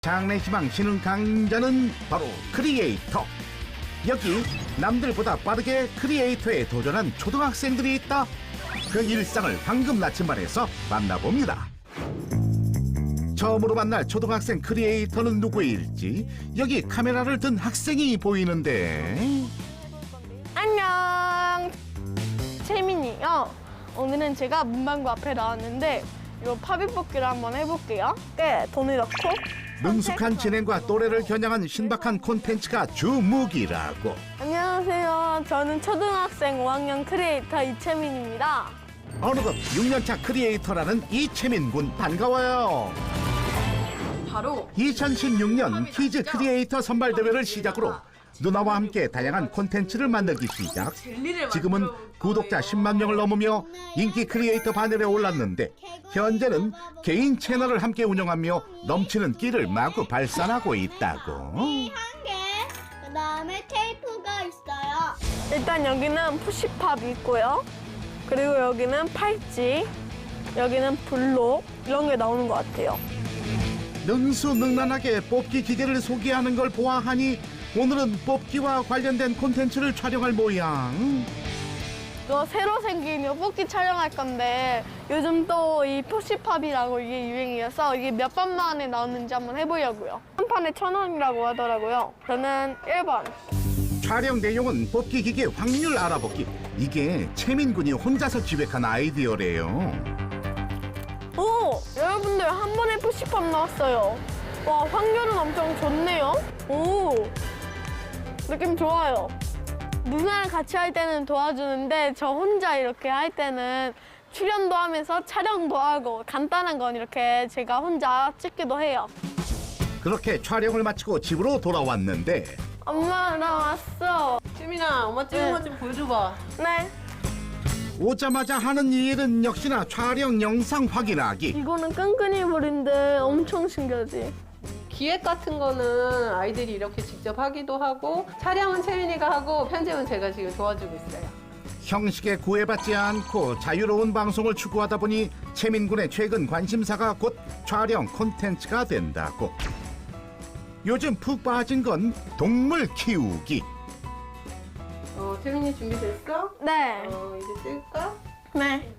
장래희망 신흥 강자는 바로 크리에이터. 여기 남들보다 빠르게 크리에이터에 도전한 초등학생들이 있다. 그 일상을 황금 나침반에서 만나봅니다. 처음으로 만날 초등학생 크리에이터는 누구일지 여기 카메라를 든 학생이 보이는데. 안녕, 채민이요. 오늘은 제가 문방구 앞에 나왔는데 이 파빗뽑기를 한번 해볼게요. 돈을 넣고 능숙한 진행과 또래를 겨냥한 신박한 콘텐츠가 주무기라고. 안녕하세요. 저는 초등학생 5학년 크리에이터 이채민입니다. 어느덧 6년차 크리에이터라는 이채민 군 반가워요. 바로 2016년 키즈 크리에이터 선발대회를 시작으로 누나와 함께 다양한 콘텐츠를 만들기 시작. 지금은 구독자 10만 명을 넘으며 인기 크리에이터 반열에 올랐는데 현재는 개인 채널을 함께 운영하며 넘치는 끼를 마구 발산하고 있다고. 한 개, 그다음에 테이프가 있어요. 일단 여기는 푸시팝이 있고요. 그리고 여기는 팔찌, 여기는 블록 이런 게 나오는 것 같아요. 능수능란하게 뽑기 기계를 소개하는 걸 보아하니 오늘은 뽑기와 관련된 콘텐츠를 촬영할 모양. 이거 새로 생긴 이 뽑기 촬영할 건데 요즘 또 이 푸시팝이라고 이게 유행이어서 이게 몇 번 만에 나오는지 한번 해보려고요. 한 판에 1,000원이라고 하더라고요. 저는 1번. 촬영 내용은 뽑기 기계 확률 알아보기. 이게 채민 군이 혼자서 기획한 아이디어래요. 오! 여러분들 한 번에 푸시팝 나왔어요. 와, 확률은 엄청 좋네요. 오! 느낌 좋아요. 누나랑 같이 할 때는 도와주는데 저 혼자 이렇게 할 때는 출연도 하면서 촬영도 하고 간단한 건 이렇게 제가 혼자 찍기도 해요. 그렇게 촬영을 마치고 집으로 돌아왔는데 엄마, 나 왔어. 채민아, 엄마 찍은 네. 거 좀 보여줘봐. 네. 오자마자 하는 일은 역시나 촬영 영상 확인하기. 이거는 끈끈이 볼인데 엄청 신기하지? 기획 같은 거는 아이들이 이렇게 직접 하기도 하고, 촬영은 채민이가 하고, 편집은 제가 지금 도와주고 있어요. 형식에 구애받지 않고 자유로운 방송을 추구하다 보니 채민 군의 최근 관심사가 곧 촬영 콘텐츠가 된다고. 요즘 푹 빠진 건 동물 키우기. 채민이 준비됐어? 네. 이제 찍을까? 네.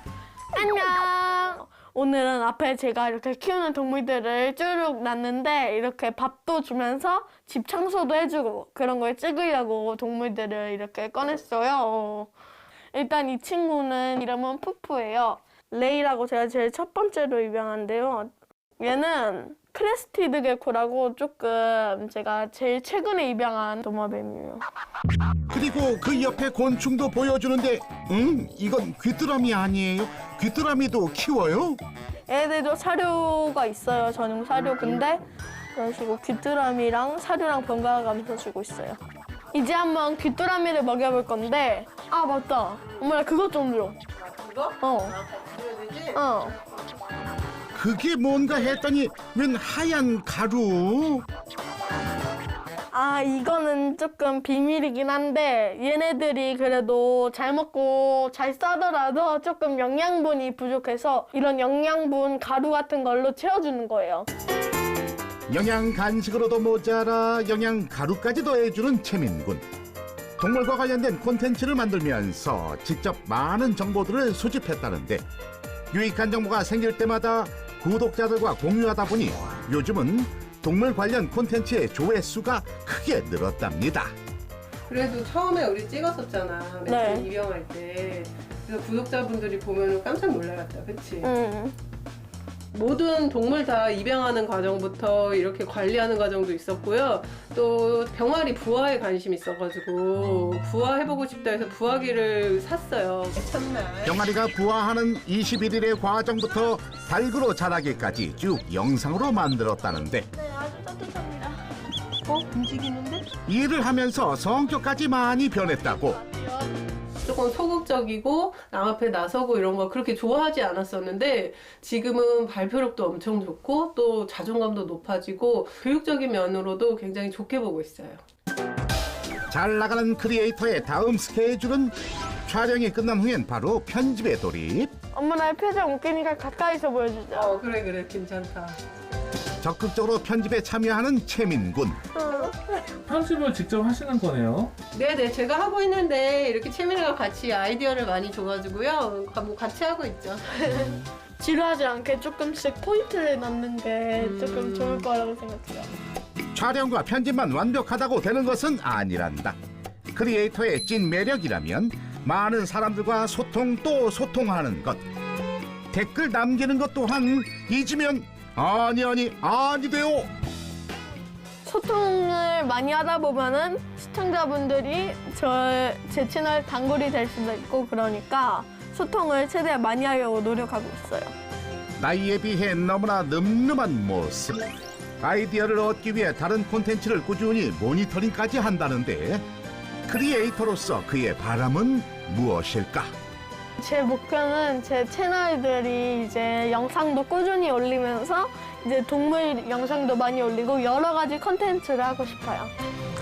안녕. 오늘은 앞에 제가 이렇게 키우는 동물들을 쭉 놨는데 이렇게 밥도 주면서 집 청소도 해주고 그런 걸 찍으려고 동물들을 이렇게 꺼냈어요. 일단 이 친구는 이름은 푸푸예요. 레이라고 제가 제일 첫 번째로 입양한데요. 얘는 크레스티드 게코라고 조금 제가 제일 최근에 입양한 도마뱀이에요. 그리고 그 옆에 곤충도 보여주는데 이건 귀뚜라미 아니에요? 귀뚜라미도 키워요? 얘들도 사료가 있어요. 전용 사료. 근데 이런 식으로 귀뚜라미랑 사료랑 번갈아 가면서 주고 있어요. 이제 한번 귀뚜라미를 먹여볼 건데 아 맞다. 엄마 나 그것 좀 줘. 이거? 어. 보여야 되지? 어. 그게 뭔가 했더니 웬 하얀 가루? 아 이거는 조금 비밀이긴 한데 얘네들이 그래도 잘 먹고 잘 싸더라도 조금 영양분이 부족해서 이런 영양분 가루 같은 걸로 채워주는 거예요. 영양 간식으로도 모자라 영양 가루까지 더해주는 채민군. 동물과 관련된 콘텐츠를 만들면서 직접 많은 정보들을 수집했다는데 유익한 정보가 생길 때마다 구독자들과 공유하다 보니 요즘은 동물 관련 콘텐츠의 조회수가 크게 늘었답니다. 그래도 처음에 우리 찍었었잖아. 네. 맨 입양할 때. 그래서 구독자분들이 보면 깜짝 놀라겠다. 그치? 모든 동물 다 입양하는 과정부터 이렇게 관리하는 과정도 있었고요. 또 병아리 부화에 관심이 있어가지고 부화해보고 싶다 해서 부화기를 샀어요. 첫날. 병아리가 부화하는 21일의 과정부터 닭으로 자라기까지 쭉 영상으로 만들었다는데 네 아주 따뜻합니다. 움직이는데? 일을 하면서 성격까지 많이 변했다고. 조금 소극적이고 남 앞에 나서고 이런 거 그렇게 좋아하지 않았었는데 지금은 발표력도 엄청 좋고 또 자존감도 높아지고 교육적인 면으로도 굉장히 좋게 보고 있어요. 잘 나가는 크리에이터의 다음 스케줄은 촬영이 끝난 후엔 바로 편집에 돌입. 엄마 나 표정 웃기니까 가까이서 보여주자. 그래 괜찮다. 적극적으로 편집에 참여하는 채민군. 편집을 직접 하시는 거네요. 네네, 제가 하고 있는데 이렇게 채민이가 같이 아이디어를 많이 줘가지고요. 뭐 같이 하고 있죠. 지루하지 않게 조금씩 포인트를 넣는 게 조금 좋을 거라고 생각해요. 촬영과 편집만 완벽하다고 되는 것은 아니란다. 크리에이터의 찐 매력이라면 많은 사람들과 소통 또 소통하는 것. 댓글 남기는 것 또한 잊으면 아니 돼요. 소통을 많이 하다 보면은 시청자분들이 제 채널 단골이 될 수도 있고 그러니까 소통을 최대한 많이 하려고 노력하고 있어요. 나이에 비해 너무나 늠름한 모습. 아이디어를 얻기 위해 다른 콘텐츠를 꾸준히 모니터링까지 한다는데 크리에이터로서 그의 바람은 무엇일까? 제 목표는 제 채널들이 이제 영상도 꾸준히 올리면서 이제 동물 영상도 많이 올리고 여러 가지 콘텐츠를 하고 싶어요.